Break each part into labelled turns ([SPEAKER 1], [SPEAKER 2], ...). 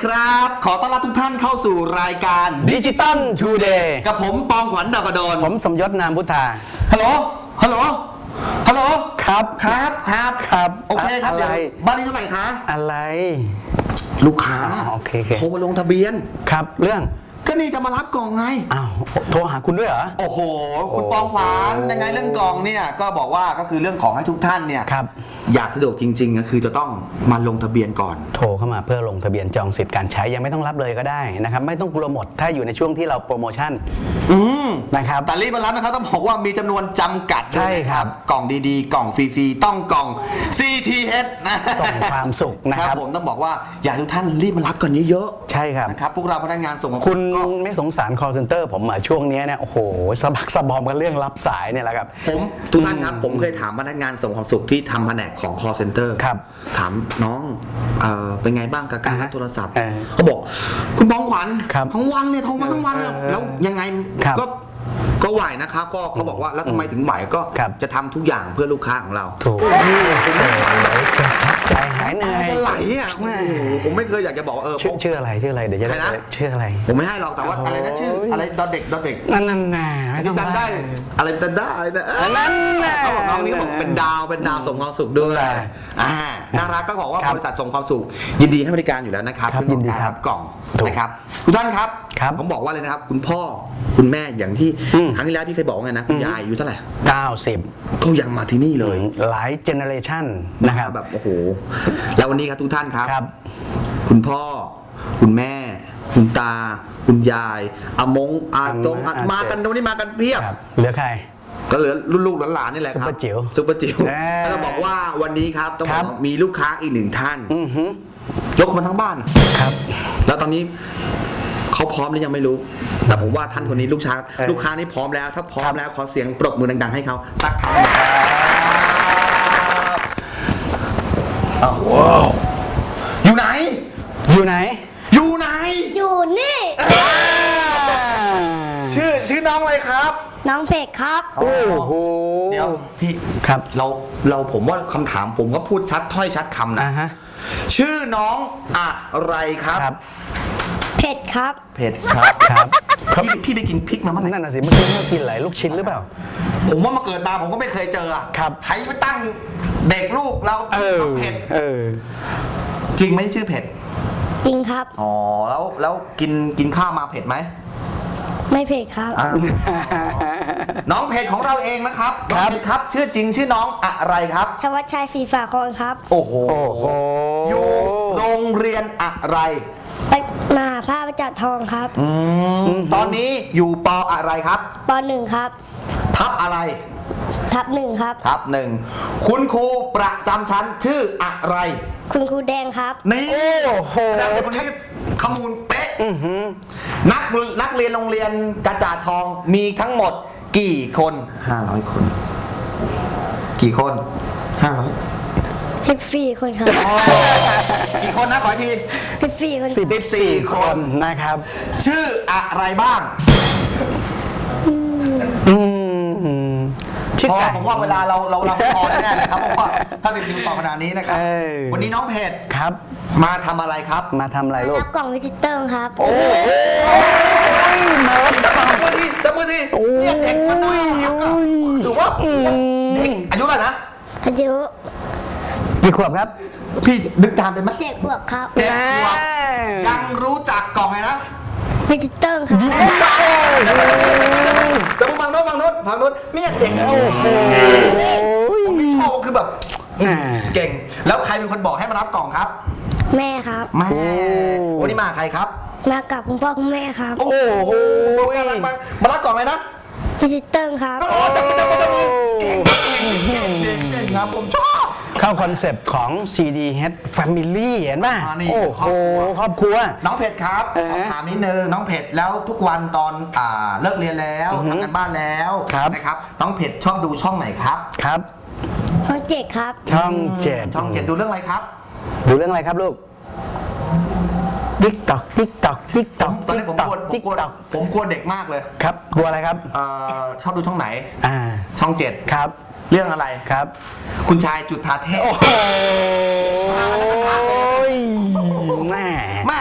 [SPEAKER 1] ครับ ขอต้อนรับทุกท่านเข้าสู่รายการ
[SPEAKER 2] Digital Today
[SPEAKER 1] กับผมปองขวัญดาวกระโดน
[SPEAKER 2] ผมสมยศนามพุทธา
[SPEAKER 1] ฮัลโหล ฮัลโหล ฮัลโหล
[SPEAKER 2] ครับ
[SPEAKER 1] ครับ
[SPEAKER 2] ครับ
[SPEAKER 1] โอเคครับ
[SPEAKER 2] อะไร
[SPEAKER 1] เดี๋ยวบ้านนี้เท่าไหร่คะ
[SPEAKER 2] อะไร
[SPEAKER 1] ลูกค้า
[SPEAKER 2] โอเค
[SPEAKER 1] โทรมาลงทะเบียน
[SPEAKER 2] ครับเรื่อง
[SPEAKER 1] ก็นี่จะมารับกล่องไง
[SPEAKER 2] อ้าวโทรหาคุณด้วยเหรอ
[SPEAKER 1] โอ้โห คุณปองขวัญยังไงเรื่องกล่องเนี่ยก็บอกว่าก็คือเรื่องของให้ทุกท่านเนี่ย
[SPEAKER 2] ครับ
[SPEAKER 1] อยากสะดวกจริงๆก็คือจะต้องมาลงทะเบียนก่อน
[SPEAKER 2] โทรเข้ามาเพื่อลงทะเบียนจองสิทธิ์การใช้ยังไม่ต้องรับเลยก็ได้นะครับไม่ต้องกลัวหมดถ้าอยู่ในช่วงที่เราโปรโมชั่นนะครับ
[SPEAKER 1] แต่รีบมารับนะครับต้องบอกว่ามีจำนวนจำกัด
[SPEAKER 2] ใช่ครับ
[SPEAKER 1] กล่องดีๆ กล่องฟรีๆต้องกล่อง CTH นะ
[SPEAKER 2] ส่งความสุขนะครับ
[SPEAKER 1] ผมต้องบอกว่าอยากให้ทุกท่านรีบมารับก่อนเยอะ
[SPEAKER 2] ใช่ครับ
[SPEAKER 1] ๆนะครับพวกเราพนักงานส่ง
[SPEAKER 2] คุณ
[SPEAKER 1] ก็
[SPEAKER 2] ไม่สงสาร call center ผมอ่ะช่วงนี้เนี่ยโอ้โหสะบักสะบอมกันเรื่องรับสายเนี่ยแหละครับ
[SPEAKER 1] ผมทุกท่านครับผมเคยถามพนักงานส่งความสุขที่ทำแผนกของ call center
[SPEAKER 2] ครับ
[SPEAKER 1] ถามน้องเป็นไงบ้างกับการรับโทรศัพท์
[SPEAKER 2] เออ
[SPEAKER 1] เขาบอกคุณปองขวัญ
[SPEAKER 2] ครับ
[SPEAKER 1] ทั้งวันเลยโทรมาทั้งวันเลย
[SPEAKER 2] เออ
[SPEAKER 1] แล้วยังไง
[SPEAKER 2] ครับ
[SPEAKER 1] ก็ไหวนะครับก็เขาบอกว่าแล้วทำไมถึงไหวก็
[SPEAKER 2] ครับ
[SPEAKER 1] จะทำทุกอย่างเพื่อลูกค้าของเรา
[SPEAKER 2] ถูกใจหายเหนื่อย
[SPEAKER 1] จะไหลอ่ะโอ้โหผมไม่เคยอยากจะบอกว่า
[SPEAKER 2] ชื่ออะไรเดี๋ยวจะ
[SPEAKER 1] ใคร
[SPEAKER 2] ได้
[SPEAKER 1] นะ
[SPEAKER 2] ชื่ออะไร
[SPEAKER 1] ผมไม่ให้หรอกแต่ว่าอะไรนะชื่ออะไรดอเด็ก
[SPEAKER 2] นั่นน่ะไม่ต้อง
[SPEAKER 1] จำได้อะไรดอได้อะไรนะ
[SPEAKER 2] นั่นน่ะ
[SPEAKER 1] เขาบอกน้องนี้บอกเป็นดาวส่งความสุขด้วยน่ารักก็บอกว่าบริษัทส่งความสุขยินดีให้บริการอยู่แล้วนะครับ
[SPEAKER 2] ครับ
[SPEAKER 1] เรื่องของ
[SPEAKER 2] ยินดี
[SPEAKER 1] การ
[SPEAKER 2] ครับ
[SPEAKER 1] รับกล่อง
[SPEAKER 2] ถูก
[SPEAKER 1] นะครับทุกท่านครับ
[SPEAKER 2] ครับ
[SPEAKER 1] ผมบอกว่าเลยนะครับคุณพ่อคุณแม่อย่างที่
[SPEAKER 2] อืม
[SPEAKER 1] ครั้งที่แล้วพี่เคยบอกว่าไงนะคุณยายอายุเท่าไหร่
[SPEAKER 2] 90
[SPEAKER 1] ก็ยังมาที่นี่เลย
[SPEAKER 2] หลายเจเนเรชันนะครับ
[SPEAKER 1] แบบโอ้โหแล้ววันนี้ครับทุกท่านครับ
[SPEAKER 2] ครับ
[SPEAKER 1] คุณพ่อ คุณแม่ คุณตา คุณยายอามงอาจงอามากันวันนี้มากันเพียบ
[SPEAKER 2] ครับเหลือใคร
[SPEAKER 1] ก็เหลือลูกๆหลานๆนี่แหละครับ
[SPEAKER 2] ซุปเปอร์จิ๋ว
[SPEAKER 1] ซุปเปอร์จิ๋ว
[SPEAKER 2] แน่
[SPEAKER 1] แล้วบอกว่าวันนี้ครับต้องบ
[SPEAKER 2] ค
[SPEAKER 1] อ
[SPEAKER 2] รั
[SPEAKER 1] ก
[SPEAKER 2] บ
[SPEAKER 1] ว่ามีลูกค้าอีกหนึ่งท่าน
[SPEAKER 2] อือหือย
[SPEAKER 1] กมาทั้งบ้าน
[SPEAKER 2] ครับ
[SPEAKER 1] แล้วตอนนี้เขาพร้อมหรือยังไม่รู้ แต่ผมว่าท่านคนนี้ลูกค้านี่พร้อมแล้ว ถ้าพร้อมแล้วขอเสียงปรบมือดังๆให้เขาสักครั้งว้าวอยู่ไหน
[SPEAKER 2] อยู่ไหน
[SPEAKER 1] อยู่ไหน
[SPEAKER 3] อยู่นี่
[SPEAKER 1] ชื่อน้องอะไรครับ
[SPEAKER 3] น้องเพกครับ
[SPEAKER 2] โอ้โห
[SPEAKER 1] เดี๋ยวพี่
[SPEAKER 2] ครับ
[SPEAKER 1] เราผมว่าคำถามผมก็พูดชัดถ้อยชัดคำนะ
[SPEAKER 2] ฮะ
[SPEAKER 1] ชื่อน้องอะไรครับ
[SPEAKER 2] ครับ
[SPEAKER 3] เผ็ดครับ
[SPEAKER 1] เผ็ดครับ
[SPEAKER 2] ครับ
[SPEAKER 1] พี่ไปกินพริกมาเมื่อไหร่
[SPEAKER 2] นั่นน่ะสิเมื่อกี้เรากินอะไรลูกชิ้นหรือเปล่า
[SPEAKER 1] ผมว่ามาเกิดมาผมก็ไม่เคยเจออะ
[SPEAKER 2] ครับ
[SPEAKER 1] ใครไปตั้งเด็กลูกเราน้องเผ็ดจริงไหมชื่อเผ็ด
[SPEAKER 3] จริงครับ
[SPEAKER 1] อ๋อแล้วกินข้าวมาเผ็ดไหม
[SPEAKER 3] ไม่เผ็ดครับ
[SPEAKER 1] อ้าวน้องเผ็ดของเราเองนะครับน้องเผ็ดครับชื่อจริงชื่อน้องอะไรครับ
[SPEAKER 3] ชวัชชัยศรีฝาคอนครับ
[SPEAKER 1] โอ้โห
[SPEAKER 2] โอ้โห
[SPEAKER 1] อยู่โรงเรียนอะไร
[SPEAKER 3] ไปมาพระประจักษ์ทองครับ
[SPEAKER 1] ตอนนี้อยู่ปอะไรครับ
[SPEAKER 3] ปหนึ่งครับ
[SPEAKER 1] ทับอะไร
[SPEAKER 3] ทับหนึ่งครับ
[SPEAKER 1] ทับหนึ่งคุณครูประจำชั้นชื่ออะไร
[SPEAKER 3] คุณครูแดงครับ
[SPEAKER 1] นี่
[SPEAKER 2] โอ้โห
[SPEAKER 1] แสดงว่าคนนี้ข้อมูลเป๊ะนักเรียนโรงเรียนกระจาดทองมีทั้งหมดกี่คน500 คน กี่คน500
[SPEAKER 3] 14 คนครับ
[SPEAKER 1] กี่คนนะขออีกที
[SPEAKER 3] 14 คน
[SPEAKER 1] 14
[SPEAKER 2] คนนะครับ
[SPEAKER 1] ชื่ออะไรบ้าง
[SPEAKER 2] ชื่อ
[SPEAKER 1] พอ
[SPEAKER 2] ไก่
[SPEAKER 1] ผมว่าเวลาเราพอแน่ๆเลยครับเพราะว่าถ้า14ต่อขนาดนี้นะครับ วันนี้น้องเพจ
[SPEAKER 2] ครับ
[SPEAKER 1] มาทำอะไรครับ
[SPEAKER 2] มาทำอะไรลูก
[SPEAKER 3] รับกล่องวิจิเตอร์ครับ
[SPEAKER 1] โอ้ยมาจับมือทีเนี่ยเด็กมันน่ารักอะถือว่าเด็กอายุเท่าไหร่นะ
[SPEAKER 3] อายุ
[SPEAKER 2] กี่ขวบครับ
[SPEAKER 1] พี่นึกตามเป็นไหม
[SPEAKER 3] 7 ขวบครับ
[SPEAKER 1] 7 ขวบยังรู้จักกล่องไงนะ
[SPEAKER 3] วิจิเตอร์ครับ
[SPEAKER 1] แต่มึงฟังโน้นเนี่ยเด็กผมนี่ชอบคือแบบเก่งแล้วใครเป็นคนบอกให้มารับกล่องครับ
[SPEAKER 3] แม่ครับ
[SPEAKER 1] แม่วันนี้มาใครครับ
[SPEAKER 3] มากับคุณพ่อคุณแม่ครับ
[SPEAKER 1] โอ้โหน่ารักมากมารับกล่องเลยนะ
[SPEAKER 3] วิจิเตอร์ครับ
[SPEAKER 1] อ๋อจับมือเก่งครับผมชอบ
[SPEAKER 2] เข้าคอนเซปต์ของ CDH Family เห็นป่ะ
[SPEAKER 1] นี่
[SPEAKER 2] โอ้โหครอบครัว
[SPEAKER 1] น้องเพชรครับขอถามนิดนึงน้องเพชรแล้วทุกวันตอนเลิกเรียนแล้วทำกันบ้านแล้ว
[SPEAKER 2] ครับ
[SPEAKER 1] นะครับน้องเพชรชอบดูช่องไหนครับ
[SPEAKER 2] ครับ
[SPEAKER 3] ช่อง7ครับ
[SPEAKER 2] ช่องเจ็ด
[SPEAKER 1] ช่องเจ็ดดูเรื่องอะไรครับ
[SPEAKER 2] ดูเรื่องอะไรครับลูกติ๊กตอกติ๊กตอกติ๊กตอก
[SPEAKER 1] ตอนนี้ผมกลัวเด็กมากเลย
[SPEAKER 2] ครับกลัวอะไรครับ
[SPEAKER 1] ชอบดูช่องไหน ช่องเจ็ด
[SPEAKER 2] ครับ
[SPEAKER 1] เรื่องอะไร
[SPEAKER 2] ครับ
[SPEAKER 1] คุณชายจุฑาเทพ
[SPEAKER 2] โอ้โหแม่
[SPEAKER 1] แม่จะมาข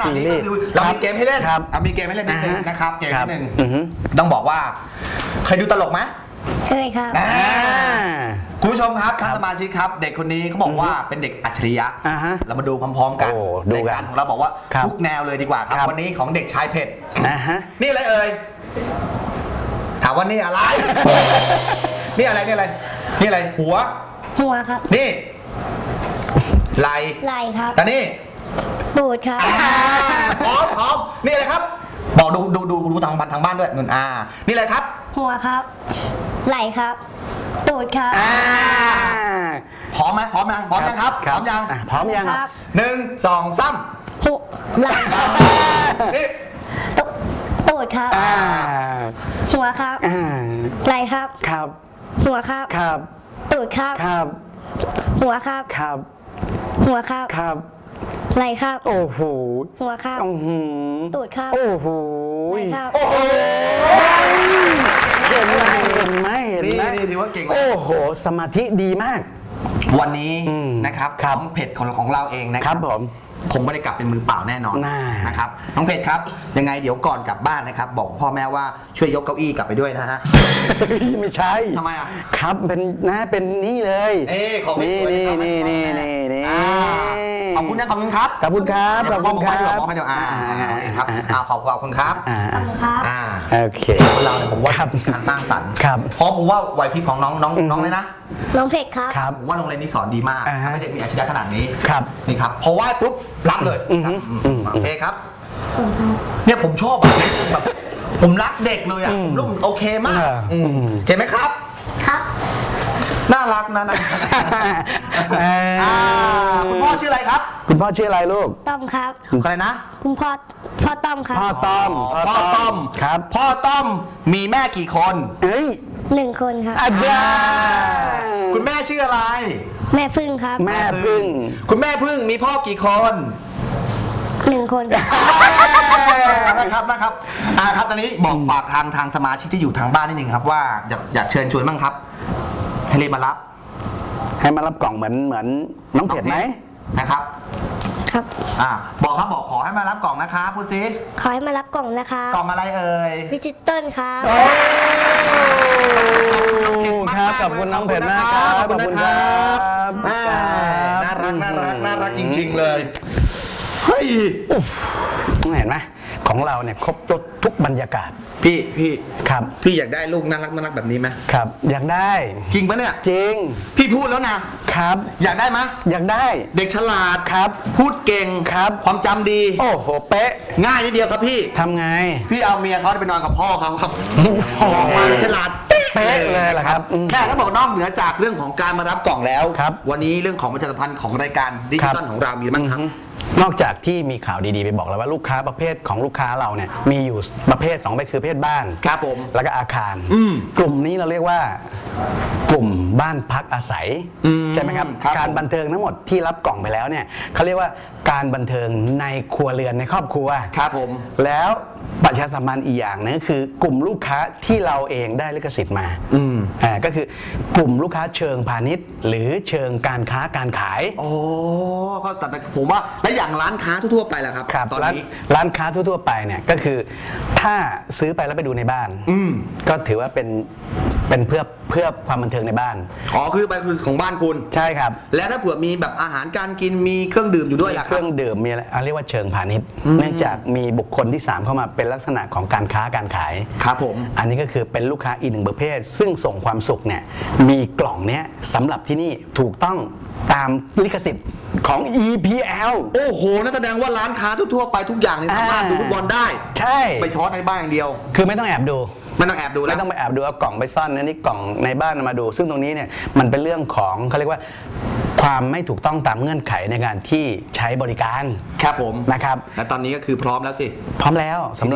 [SPEAKER 2] ซีรี
[SPEAKER 1] นี่
[SPEAKER 2] ส์
[SPEAKER 1] ก็คือเรามีเกมให้เล่น
[SPEAKER 2] ครับ
[SPEAKER 1] มีเกมให้เล่นนิดนึง
[SPEAKER 2] อ่าฮะ
[SPEAKER 1] นะครับเกมนิดนึง
[SPEAKER 2] อือฮึ
[SPEAKER 1] ต้องบอกว่าเคยดูตลกไหม
[SPEAKER 3] เคยครับ
[SPEAKER 1] อ่าคุณผู้ชมครับท่านสมาชิกครับ เด็กคนนี้เขาบอกว่าเป็นเด็กอัจฉริยะ
[SPEAKER 2] อ่าฮะ
[SPEAKER 1] เรามาดูพร้อมๆกัน
[SPEAKER 2] โอ้ดูกัน
[SPEAKER 1] รายการของเราบอกว่า
[SPEAKER 2] ครับ
[SPEAKER 1] ทุกแนวเลยดีกว่าครับ
[SPEAKER 2] ครับ
[SPEAKER 1] วันนี้ของเด็กชายเพชร
[SPEAKER 2] นะฮะ
[SPEAKER 1] นี่อะไรเอ่ยถามว่านี่อะไร นี่อะไรนี่อะไรนี่อะไรหัว
[SPEAKER 3] หัวครับ
[SPEAKER 1] นี่ไหล
[SPEAKER 3] ไหล่ครับ
[SPEAKER 1] แต่นี่
[SPEAKER 3] ตูดครับ
[SPEAKER 1] พร้อมนี่อะไรครับ บอกดูทางบ้านด้วยนุ่นนี่อะไรครับ
[SPEAKER 3] หัวครับ ไหล่ครับ ตูดครับ
[SPEAKER 1] พร้อมไหมพร้อมยังพร้อมยังครับพร้อมยัง
[SPEAKER 2] พร้อมยัง
[SPEAKER 3] ครับ
[SPEAKER 1] 1 2 3
[SPEAKER 3] หัวไหล่ครับ
[SPEAKER 1] นี่
[SPEAKER 3] ตูดครับ หัวครับ ไหล่ครับ
[SPEAKER 2] ครับ
[SPEAKER 3] หัวครับ
[SPEAKER 2] ครับ
[SPEAKER 3] ตูดครับ
[SPEAKER 2] ครับ
[SPEAKER 3] หัวครับ
[SPEAKER 2] ครับ
[SPEAKER 3] หัวครับ
[SPEAKER 2] ครับ
[SPEAKER 3] ไหล่ครับ
[SPEAKER 2] โอ้โห
[SPEAKER 3] หัวครับ
[SPEAKER 2] อื้อหือ
[SPEAKER 3] ตูดครับ
[SPEAKER 2] โอ้โห
[SPEAKER 3] ไหล่ครับ
[SPEAKER 1] โอ้โห
[SPEAKER 2] เห็นไหมเห็นไหมเห็นไหม
[SPEAKER 1] นี่ถือว่าเก่งแล้ว
[SPEAKER 2] โอ้โห สมาธิดีมาก
[SPEAKER 1] วันนี้
[SPEAKER 2] อืม
[SPEAKER 1] นะครับ
[SPEAKER 2] ครับ
[SPEAKER 1] น้องเพชรของเราเองนะค
[SPEAKER 2] ครั
[SPEAKER 1] รับบ
[SPEAKER 2] ผม
[SPEAKER 1] ผมไม่ได้กลับเป็นมือเปล่าแน่นอน
[SPEAKER 2] น่า
[SPEAKER 1] นะครับน้องเพชรครับยังไงเดี๋ยวก่อนกลับบ้านนะครับ บอกพ่อแม่ว่าช่วยยกเก้าอี้กลับไปด้วยนะฮะ
[SPEAKER 2] ไม่ใช่
[SPEAKER 1] ทำไมอ่ะ
[SPEAKER 2] ครับเป็นเป็นนี่เลย
[SPEAKER 1] ของ
[SPEAKER 2] นี่
[SPEAKER 1] สวยๆ
[SPEAKER 2] นี่
[SPEAKER 1] นะครับ
[SPEAKER 2] นี่นี่นี่
[SPEAKER 1] อ่าขอบคุณนะขอบคุณครับ
[SPEAKER 2] ขอบคุณครับขอบคุณครับ
[SPEAKER 1] มอบให้เดี๋ยวโอเคครับขอบคุณครับ
[SPEAKER 2] อ่า
[SPEAKER 3] ขอบคุณครับ
[SPEAKER 2] โอเค
[SPEAKER 1] คนเราเนี่ยผมว่า
[SPEAKER 2] ครับ
[SPEAKER 1] การสร้างสรรค์
[SPEAKER 2] ครับ
[SPEAKER 1] เพราะผมว่าไหวพริบของน้องเลยนะ
[SPEAKER 3] น้องเพชรครับ
[SPEAKER 2] ครับ
[SPEAKER 1] ผมว่าโรงเรียนนี้สอนดีมาก
[SPEAKER 2] อ่าฮะ
[SPEAKER 1] ทำให้เด็กมีอาชีพขนาดนี้
[SPEAKER 2] ครับ
[SPEAKER 1] นี่ครับพอไหว้ปุ๊บรับเลย
[SPEAKER 2] อือฮึ
[SPEAKER 1] โอเคครับ เนี่ยผมชอบแบบผมรักเด็กเลยอ่ะผมรู้โอเคมาก
[SPEAKER 2] อืม
[SPEAKER 1] โอเคไหมครับ
[SPEAKER 3] ครับ
[SPEAKER 1] น่ารักนะคุณพ่อชื่ออะไรครับ
[SPEAKER 2] คุณพ่อชื่ออะไรลูก
[SPEAKER 3] ต้อมครับ
[SPEAKER 1] อะไรนะ
[SPEAKER 3] คุณพ่อต้อมครับ
[SPEAKER 2] พ่อต้อม
[SPEAKER 1] พ่อต้อม
[SPEAKER 2] ครับ
[SPEAKER 1] พ่อต้อมมีแม่กี่คน
[SPEAKER 2] เอ้ย
[SPEAKER 3] 1 คนครับ
[SPEAKER 2] อาจารย์
[SPEAKER 1] คุณแม่ชื่ออะไร
[SPEAKER 3] แม่พึ่งครับ
[SPEAKER 2] แม่พึ่ง
[SPEAKER 1] คุณแม่พึ่งมีพ่อกี่คน
[SPEAKER 3] 1 คนครับ
[SPEAKER 1] นะครับครับตอนนี้บอกฝากทางสมาชิกที่อยู่ทางบ้านนิดนึงครับว่าอยากเชิญชวนบ้างครับ ให้รีบมารับ
[SPEAKER 2] ให้มารับกล่องเหมือนน้องเผ็ดไหม
[SPEAKER 1] นะครับ
[SPEAKER 3] ครับ
[SPEAKER 1] บอกขอให้มารับกล่องนะครับพูดซิ
[SPEAKER 3] ขอให้มารับกล่องนะคะ
[SPEAKER 1] กล่องอะไรเอ่ย
[SPEAKER 3] พิจิตเติ้ลครับ
[SPEAKER 2] ครับขอบคุณน้องเผ็ดมากครับ
[SPEAKER 1] ขอบคุณนะครับ น่ารักจริงๆเลยเฮ้ย
[SPEAKER 2] เห็นไหมของเราเนี่ยครบรสทุกบรรยากาศ
[SPEAKER 1] พี่
[SPEAKER 2] ครับ
[SPEAKER 1] พี่อยากได้ลูกน่ารักแบบนี้ไหม
[SPEAKER 2] ครับ อยากได้
[SPEAKER 1] จริงปะเนี่ย
[SPEAKER 2] จริง
[SPEAKER 1] พี่พูดแล้วนะครับ อยากได้ไหม
[SPEAKER 2] อยากได้
[SPEAKER 1] เด็กฉลาด
[SPEAKER 2] ครับ
[SPEAKER 1] พูดเก่ง
[SPEAKER 2] ครับ
[SPEAKER 1] ความจำดี
[SPEAKER 2] โอ้โหเป๊ะ
[SPEAKER 1] ง่ายนิดเดียวครับพี่
[SPEAKER 2] ทำไง
[SPEAKER 1] พี่เอาเมียเขาไปนอนกับพ่อเขาครับออกมาฉลาด
[SPEAKER 2] เป๊ะเลยเหรอครับอืม
[SPEAKER 1] แค่เขาบอกนอกเหนือจากเรื่องของการมารับกล่องแล้ว
[SPEAKER 2] ครับ
[SPEAKER 1] วันนี้เรื่องของประชาสัมพันธ์ของรายการดิจิตอลของเรามีบ้างครับ
[SPEAKER 2] นอกจากที่มีข่าวดีๆไปบอกแล้วว่าลูกค้าประเภทของลูกค้าเราเนี่ยมีอยู่ประเภท2ประเภทคือประเภทบ้าน
[SPEAKER 1] ครับผม
[SPEAKER 2] แล้วก็อาคาร กลุ่มนี้เราเรียกว่ากลุ่มบ้านพักอาศัย ใช่ไหมครับ
[SPEAKER 1] ครับ
[SPEAKER 2] การบันเทิงทั้งหมดที่รับกล่องไปแล้วเนี่ยเขาเรียกว่าการบันเทิงในครัวเรือนในครอบครัว
[SPEAKER 1] ครับผม
[SPEAKER 2] แล้วประชาสัมพันธ์อีกอย่างนึงคือกลุ่มลูกค้าที่เราเองได้ลิขสิทธิ์มาก็คือกลุ่มลูกค้าเชิงพาณิชย์ หรือเชิงการค้าการขาย
[SPEAKER 1] โอ้เขาจัดผมว่าและอย่างร้านค้าทั่วๆไปล่ะครับ
[SPEAKER 2] ครับ
[SPEAKER 1] ตอน
[SPEAKER 2] ร้าน
[SPEAKER 1] นี้
[SPEAKER 2] ร้านค้าทั่วๆไปเนี่ยก็คือถ้าซื้อไปแล้วไปดูในบ้านก็ถือว่าเป็นเพื่อความบันเทิงในบ้าน
[SPEAKER 1] คือไปคือของบ้านคุณ
[SPEAKER 2] ใช่ครับ
[SPEAKER 1] แล้วถ้าเผื่อมีแบบอาหารการกินมีเครื่องดื่มอยู่ด้วยล่ะค
[SPEAKER 2] เค
[SPEAKER 1] รั
[SPEAKER 2] รื่
[SPEAKER 1] บ
[SPEAKER 2] องดื่มมีอะไรเรียกว่าเชิงพาณิชย์ เนื่องจากมีบุคคลที่ 3 เข้ามาเป็นลักษณะของการค้าการขาย
[SPEAKER 1] ครับผม
[SPEAKER 2] อันนี้ก็คือเป็นลูกค้าอีกหนึ่งประเภท ซึ่งส่งความสุขเนี่ยมีกล่องเนี้ยสำหรับที่นี่ถูกต้องตามลิขสิทธิ์ของ EPL
[SPEAKER 1] โอ้โหนั่นแสดงว่าร้านค้าทั่วๆไปทุกอย่างเนี่ยสามารถดูฟุตบอลได้
[SPEAKER 2] ใช่
[SPEAKER 1] ไปช็อตในบ้านอย่างเดียว
[SPEAKER 2] คือไม่ต้องแอบดู
[SPEAKER 1] ไม่ต้องแอบดูแล้
[SPEAKER 2] ไม่
[SPEAKER 1] ว
[SPEAKER 2] ต้องไปแอบดูเอากล่องไปซ่อนนะนี่กล่องในบ้านมาดู ซึ่งตรงนี้เนี่ยมันเป็นเรื่องของเขาเรียกว่าความไม่ถูกต้องตามเงื่อนไขในการที่ใช้บริการ
[SPEAKER 1] ครับผม
[SPEAKER 2] นะครับ
[SPEAKER 1] และตอนนี้ก็คือพร้อมแล้วสิ
[SPEAKER 2] พร้อมแล้วสำหรับ
[SPEAKER 1] CTS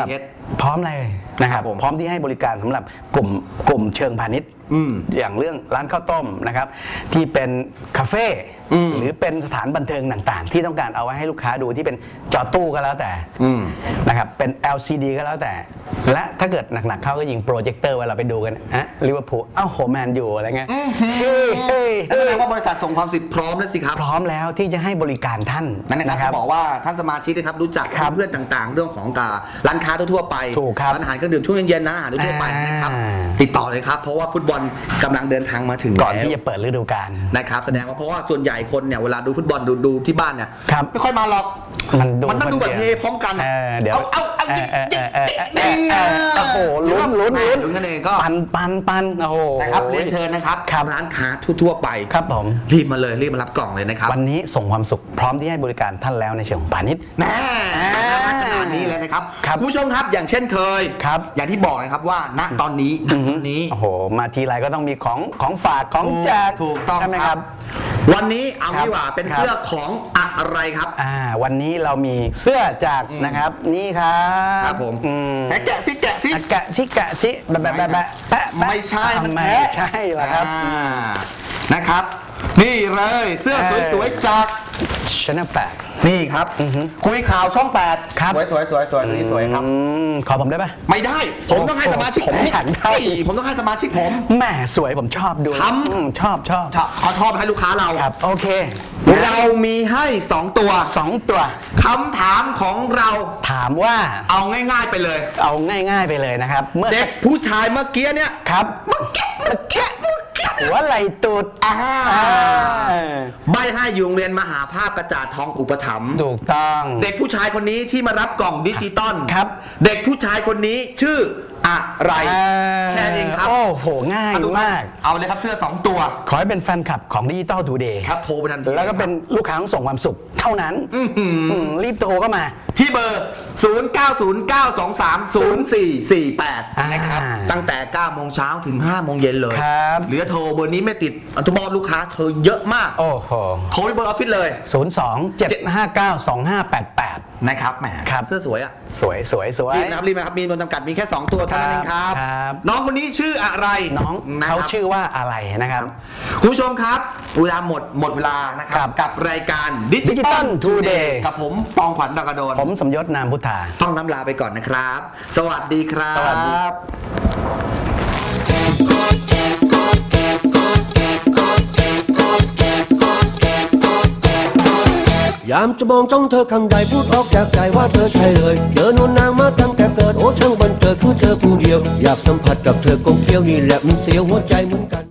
[SPEAKER 2] พร้อมเลยนะครับ
[SPEAKER 1] ครับผม
[SPEAKER 2] พร้อมที่ให้บริการสำหรับกลุ่มเชิงพาณิชย์ อย่างเรื่องร้านข้าวต้มนะครับที่เป็นคาเฟ่หรือเป็นสถานบันเทิงต่างๆ ที่ต้องการเอาไว้ให้ลูกค้าดูที่เป็นจอตู้ก็แล้วแต่นะครับเป็น LCD ก็แล้วแต่ และถ้าเกิดหนักๆเข้าก็ยิงโปรเจคเตอร์เวลาไปดูกันอะลิเวอร์พูลโหแมนยูอะไรเงี้ยเฮ้ย
[SPEAKER 1] นั่นแสดงว่าบริษัทส่งความสิทธิ์พร้อมแล้วสิครับ
[SPEAKER 2] พร้อมแล้วที่จะให้บริการท่าน
[SPEAKER 1] นั่นนะครับบอกว่าท่านสมาชิกนะครับรู้จัก
[SPEAKER 2] ครับ
[SPEAKER 1] เพื่อนต่างๆ เรื่องของร้านค้าทั่วๆไป
[SPEAKER 2] ถูกครับ
[SPEAKER 1] ร้านอาหารเครื่องดื่มช่วงเย็นๆนะอาหารทั่วๆไปนะครับ ติดต่อเลยครับเพราะว่าฟุตบอลกำลังเดินทางมาถึง
[SPEAKER 2] ก่อน
[SPEAKER 1] แล้ว
[SPEAKER 2] ที่จะเปิดฤดูกาล
[SPEAKER 1] นะครับแสดงว่าเพราะว่าส่วนใหญ่คนเนี่ยเวลาดูฟุตบอลดูที่บ้านเนี่ย
[SPEAKER 2] ครับ
[SPEAKER 1] ไม่ค่อยมาหรอก
[SPEAKER 2] มันดู
[SPEAKER 1] ต้องดู
[SPEAKER 2] คน
[SPEAKER 1] แบบ
[SPEAKER 2] เดียว
[SPEAKER 1] เฮพร้อมกัน
[SPEAKER 2] เดี๋ยว
[SPEAKER 1] เอา
[SPEAKER 2] โอ้โหลุ้น
[SPEAKER 1] ลุ้นกันเองก็
[SPEAKER 2] ปันโอ้โห
[SPEAKER 1] นะครับเรียนเชิญนะครับ
[SPEAKER 2] ครับ
[SPEAKER 1] ร้านค้าทั่วๆไป
[SPEAKER 2] ครับผม
[SPEAKER 1] รีบมาเลยรีบมารับกล่องเลยนะครับ
[SPEAKER 2] วันนี้ส่งความสุขพร้อมที่ให้บริการท่านแล้วในเชิงของพาณิชย์
[SPEAKER 1] แน่ขนาดนี้เลยนะครับ
[SPEAKER 2] ครับ
[SPEAKER 1] คุณผู้ชมครับอย่างเช่นเคย
[SPEAKER 2] ครับ
[SPEAKER 1] อย่างที่บอกนะครับว่าณตอนนี้
[SPEAKER 2] โอ้โหมาทีไรก็ต้องมีของฝากของแจก
[SPEAKER 1] ถูกต้อง
[SPEAKER 2] ใช่ไหม
[SPEAKER 1] ค
[SPEAKER 2] ค
[SPEAKER 1] รั
[SPEAKER 2] รั
[SPEAKER 1] บบ วันนี้เอา
[SPEAKER 2] ครับ
[SPEAKER 1] ดีกว่าเป็น
[SPEAKER 2] ครับ
[SPEAKER 1] เสื้อของอะไรครับ
[SPEAKER 2] วันนี้เรามีเสื้อจากนะครับนี่ครับ
[SPEAKER 1] ครับผม แกะซิแกะซิ
[SPEAKER 2] แกะชิแปะ
[SPEAKER 1] ไม่ใช่มัน
[SPEAKER 2] ไม่
[SPEAKER 1] แพ้
[SPEAKER 2] ใช่เหรอครับ
[SPEAKER 1] นะครับ นี่เลยเสื้อสวยๆจาก
[SPEAKER 2] Channel 8
[SPEAKER 1] นี่ครับคุยข่าวช่อง 8
[SPEAKER 2] ครับ
[SPEAKER 1] สวยตัวนี้สวยครับ
[SPEAKER 2] ขอผมได้ปะ
[SPEAKER 1] ไม่ได้ ผมต้องให้สมาชิก
[SPEAKER 2] ผมอยากได้
[SPEAKER 1] ผมต้องให้สมาชิกผม
[SPEAKER 2] แหม่สวยผมชอบดู
[SPEAKER 1] ทำ
[SPEAKER 2] ชอบ
[SPEAKER 1] เขาชอบให้ลูกค้าเรา
[SPEAKER 2] ครับโอเค
[SPEAKER 1] เรามีให้ 2 ตัว
[SPEAKER 2] 2 ตัว
[SPEAKER 1] คำถามของเรา
[SPEAKER 2] ถามว่า
[SPEAKER 1] เอาง่ายๆไปเลย
[SPEAKER 2] เอาง่ายๆไปเลยนะครับ เมื่อ
[SPEAKER 1] เด็กผู้ชายเมื่อกี้เนี่ย
[SPEAKER 2] ครับหัวไหลตูด
[SPEAKER 1] ใบให้อยู่โรงเรียนมหาภาพกระจาดทองอุปถัมภ์
[SPEAKER 2] ถูกต้อง
[SPEAKER 1] เด็กผู้ชายคนนี้ที่มารับกล่องดิจิตอล
[SPEAKER 2] ครับ
[SPEAKER 1] เด็กผู้ชายคนนี้ชื่ออะไรแค่นี้เองครับ
[SPEAKER 2] โอ้โหง่าย
[SPEAKER 1] ทุท่น
[SPEAKER 2] มาก
[SPEAKER 1] เอาเลยครับเสื้อ 2 ตัว
[SPEAKER 2] ขอให้เป็นแฟนคลับของดิจิตอลทูเดย์
[SPEAKER 1] ครับโทรไปทันที
[SPEAKER 2] แล้วก็เป็นลูกค้าของส่งความสุขเท่านั้นรีบโทรเข้ามา
[SPEAKER 1] ที่เบอร์ 0909230448 นะครับ ตั้งแต่ 9 โมงเช้าถึง 5 โมงเย็นเลย
[SPEAKER 2] ครับ
[SPEAKER 1] เหลือโทรเบอร์นี้ไม่ติดอัตบอลลูกค้าเธอเยอะมาก
[SPEAKER 2] โอ้โห
[SPEAKER 1] โทรไปเบอร์ออฟฟิศเลย
[SPEAKER 2] 02-759-2588
[SPEAKER 1] นะครับแหม
[SPEAKER 2] ครับ
[SPEAKER 1] เสื้อสวยอ่ะ
[SPEAKER 2] สวย
[SPEAKER 1] รีบนะครับรีบนะครับมีจำนวนจำกัดมีแค่ 2 ตัวเท่านั้นเองครับ
[SPEAKER 2] ครับ
[SPEAKER 1] น้องคนนี้ชื่ออะไร
[SPEAKER 2] น้อง
[SPEAKER 1] นะค
[SPEAKER 2] เขา
[SPEAKER 1] รับ
[SPEAKER 2] ชื่อว่าอะไรนะครับ
[SPEAKER 1] คุณผู้ชมครับเวลาหมดเวลานะค
[SPEAKER 2] ครั
[SPEAKER 1] รับบ กับรายการดิจิตอล
[SPEAKER 2] Digital
[SPEAKER 1] ทูเด
[SPEAKER 2] Today
[SPEAKER 1] ย์กับผมปองขวัญดากระโดน
[SPEAKER 2] ผมสมยศนามพุทธา
[SPEAKER 1] ต้องน้ำลาไปก่อนนะครับ สวัสดีครับ
[SPEAKER 2] สวัสดี
[SPEAKER 4] ยามจะมองจ้องเธอข้างใดพูดออกจากใจว่าเธอใช่เลยเจอนวลนางมาตั้งแต่เกิดโอ้ช่างบันเกิดคือเธอผู้เดียว อยากสัมผัสกับเธอกงเคี้ยวนี่แหละมันเสียวหัวใจเหมือนกัน